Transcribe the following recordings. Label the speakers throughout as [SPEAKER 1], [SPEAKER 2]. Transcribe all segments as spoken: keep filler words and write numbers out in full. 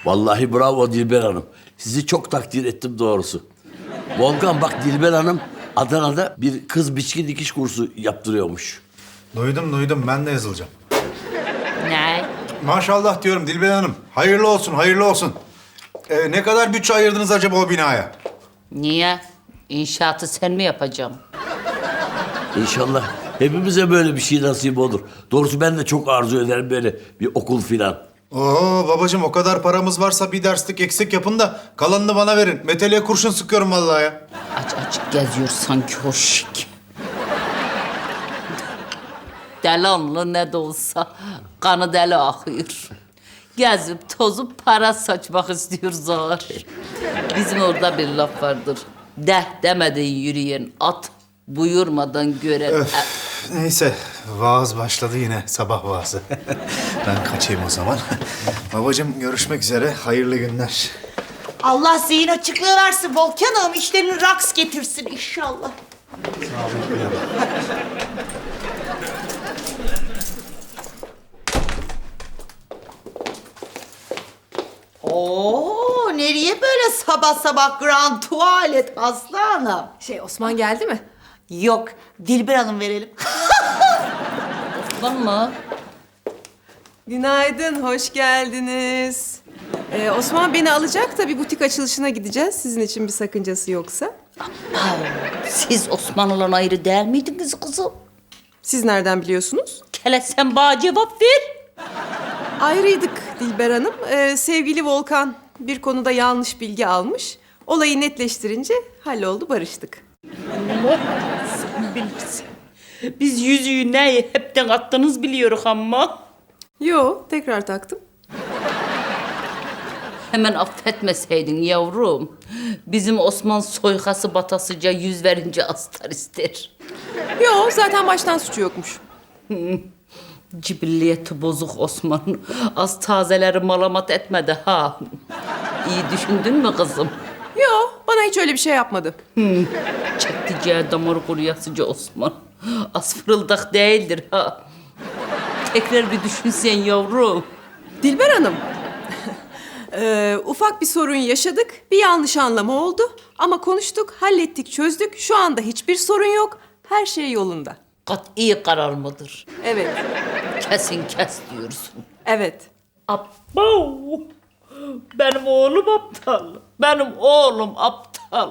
[SPEAKER 1] Vallahi bravo Dilber Hanım. Sizi çok takdir ettim doğrusu. Volkan bak Dilber Hanım Adana'da bir kız biçki dikiş kursu yaptırıyormuş.
[SPEAKER 2] Duydum duydum, ben de yazılacağım.
[SPEAKER 3] Ne?
[SPEAKER 2] Maşallah diyorum Dilber Hanım. Hayırlı olsun, hayırlı olsun. Ee, ne kadar bütçe ayırdınız acaba o binaya?
[SPEAKER 3] Niye? İnşaatı sen mi yapacaksın?
[SPEAKER 1] İnşallah hepimize böyle bir şey nasip olur. Doğrusu ben de çok arzu ederim böyle bir okul filan.
[SPEAKER 2] Oo babacığım, o kadar paramız varsa bir derslik eksik yapın da kalanını bana verin. Meteliğe kurşun sıkıyorum vallahi ya.
[SPEAKER 3] Aç açık geziyor sanki o şik. Delanlı ne de olsa kanı deli akıyor. Gezip tozup para saçmak istiyor zar. Bizim orada bir laf vardır. Deh demeden yürüyen at, buyurmadan gören...
[SPEAKER 2] Öf, neyse, vaaz başladı yine, sabah vaazı. Ben kaçayım o zaman. Babacığım görüşmek üzere, hayırlı günler.
[SPEAKER 4] Allah zihin açıklığı versin Volkan'ım. İşlerini raks getirsin inşallah. Oo, nereye böyle sabah sabah grand tuvalet Aslı Hanım?
[SPEAKER 5] Şey, Osman geldi mi?
[SPEAKER 4] Yok, Dilber Hanım verelim.
[SPEAKER 3] Osman mı?
[SPEAKER 5] Günaydın, hoş geldiniz. Ee, Osman beni alacak da bir butik açılışına gideceğiz. Sizin için bir sakıncası yoksa.
[SPEAKER 3] Siz Osmanlı'dan ayrı değil miydiniz kızım?
[SPEAKER 5] Siz nereden biliyorsunuz?
[SPEAKER 3] Kele sen bana cevap ver.
[SPEAKER 5] Ayrıydık Dilber Hanım. Ee, sevgili Volkan bir konuda yanlış bilgi almış. Olayı netleştirince halloldu, barıştık.
[SPEAKER 3] Allah sen bilirsin. Biz yüzüğü ne hepten attınız biliyoruz ama.
[SPEAKER 5] Yo, tekrar taktım.
[SPEAKER 3] Hemen affetmeseydin yavrum. Bizim Osman soykası batasıca yüz verince astar ister.
[SPEAKER 5] Yo, zaten baştan suçu yokmuş.
[SPEAKER 3] Cibilliyeti bozuk Osman. Az tazeleri malamat etmedi ha. İyi düşündün mü kızım?
[SPEAKER 5] Yo, bana hiç öyle bir şey yapmadı.
[SPEAKER 3] Çekticeği damar kuruyasıca Osman. Az fırıldak değildir ha. Tekrar bir düşünsen yavrum.
[SPEAKER 5] Dilber Hanım, ee, ufak bir sorun yaşadık. Bir yanlış anlama oldu. Ama konuştuk, hallettik, çözdük. Şu anda hiçbir sorun yok. Her şey yolunda.
[SPEAKER 3] Kat'i karar mıdır?
[SPEAKER 5] Evet,
[SPEAKER 3] Kesin kes diyorsun.
[SPEAKER 5] evet.
[SPEAKER 3] Abo! Benim oğlum aptal. Benim oğlum aptal.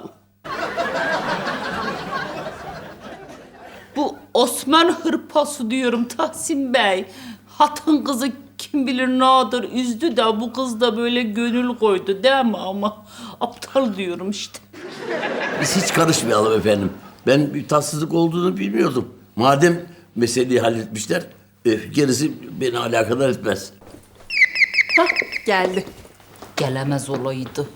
[SPEAKER 3] Bu Osman hırpası diyorum Tahsin Bey. Hatın kızı kim bilir nadir üzdü de bu kız da böyle gönül koydu değil mi ama aptal diyorum işte.
[SPEAKER 1] Biz hiç karışmayalım efendim. Ben bir tatsızlık olduğunu bilmiyordum. Madem meseleyi halletmişler e, gerisi beni alakadar etmez.
[SPEAKER 5] Hah, geldi.
[SPEAKER 3] Gelemez olaydı.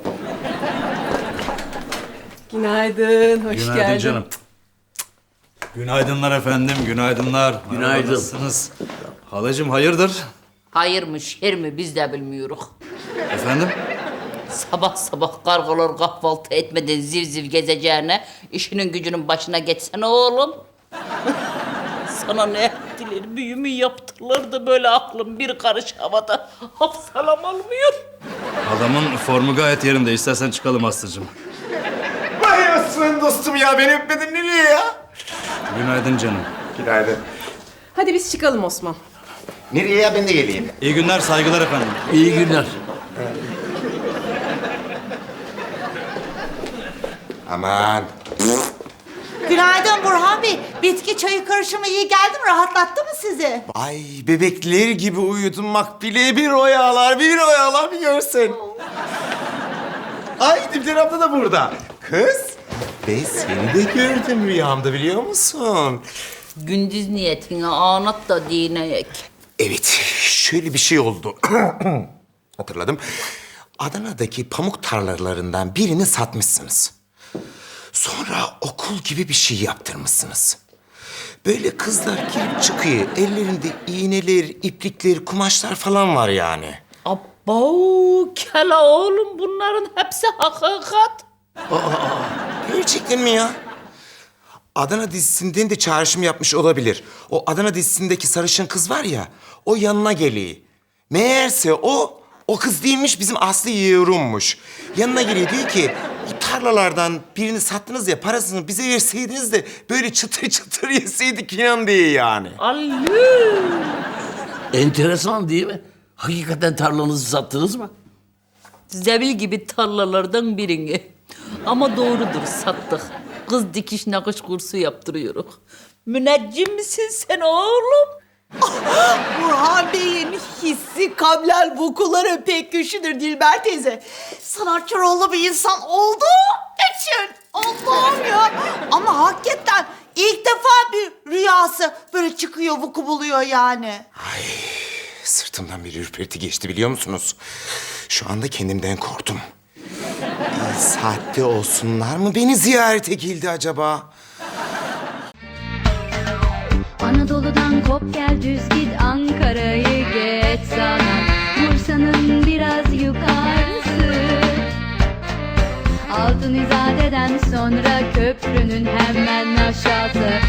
[SPEAKER 5] Günaydın, hoş
[SPEAKER 6] Günaydın
[SPEAKER 5] geldin.
[SPEAKER 6] canım. Günaydınlar efendim, günaydınlar.
[SPEAKER 1] Günaydın.
[SPEAKER 6] Merhaba, nasılsınız? Halacığım hayırdır?
[SPEAKER 3] Hayır mı şer mi biz de bilmiyoruz.
[SPEAKER 6] Efendim?
[SPEAKER 3] Sabah sabah kargalar kahvaltı etmeden ziv ziv gezeceğine işinin gücünün başına geçsene oğlum. Sana ne ettiler, büyümü yaptılar da böyle aklım bir karış havada hafsalam almıyor.
[SPEAKER 6] Adamın formu gayet yerinde. İstersen çıkalım Aslı'cığım.
[SPEAKER 7] Vay Osman dostum ya, beni öpmedin nereye ya?
[SPEAKER 6] Günaydın canım.
[SPEAKER 7] Günaydın.
[SPEAKER 5] Hadi biz çıkalım Osman.
[SPEAKER 7] Nereye ya, ben de geleyim.
[SPEAKER 6] İyi günler, saygılar efendim.
[SPEAKER 1] İyi günler.
[SPEAKER 7] Aman.
[SPEAKER 4] Günaydın Burhan Bey. Bitki çayı karışımı iyi geldi mi? Rahatlattı mı sizi?
[SPEAKER 7] Ay bebekler gibi uyudum Makbule, bir oyalar bir oyalar bir görsen. Ay Dilber abla da burada. Kız, ben seni de gördüm rüyamda biliyor musun?
[SPEAKER 3] Gündüz niyetine anlat da dineyek.
[SPEAKER 7] Evet, şöyle bir şey oldu. Hatırladım. Adana'daki pamuk tarlalarından birini satmışsınız. Sonra okul gibi bir şey yaptırmışsınız. Böyle kızlar girip çıkıyor. Ellerinde iğneler, iplikler, kumaşlar falan var yani.
[SPEAKER 3] Abo kela oğlum bunların hepsi hakikat.
[SPEAKER 7] Gerçekten mi ya? Adana dizisinden de çağrışım yapmış olabilir. O Adana dizisindeki sarışın kız var ya, o yanına geliyor. Meğerse o O kız değilmiş, bizim Aslı Yeğrum'muş. Yanına geliyor diyor ki, o tarlalardan birini sattınız ya, parasını bize verseydiniz de böyle çıtır çıtır yeseydik inan diye yani.
[SPEAKER 3] Allah!
[SPEAKER 1] Enteresan değil mi? Hakikaten tarlanızı sattınız mı?
[SPEAKER 3] Zebil gibi tarlalardan birini. Ama doğrudur, sattık. Kız dikiş nakış kursu yaptırıyoruz. Müneccim misin sen oğlum?
[SPEAKER 4] Burhan Bey'in hissi kablel vukuları pek güçlüdür Dilber teyze. Sanatçı rollu bir insan olduğu için. Allah'ım ya. Ama hakikaten ilk defa bir rüyası böyle çıkıyor, vuku buluyor yani.
[SPEAKER 7] Sırtımdan bir ürperti geçti biliyor musunuz? Şu anda kendimden korktum. İyi saatte olsunlar mı beni ziyarete geldi acaba?
[SPEAKER 8] Anadolu'dan kop gel düz git Ankara'yı geç sana Bursa'nın biraz yukarısı Altın İzade'den sonra köprünün hemen aşağısı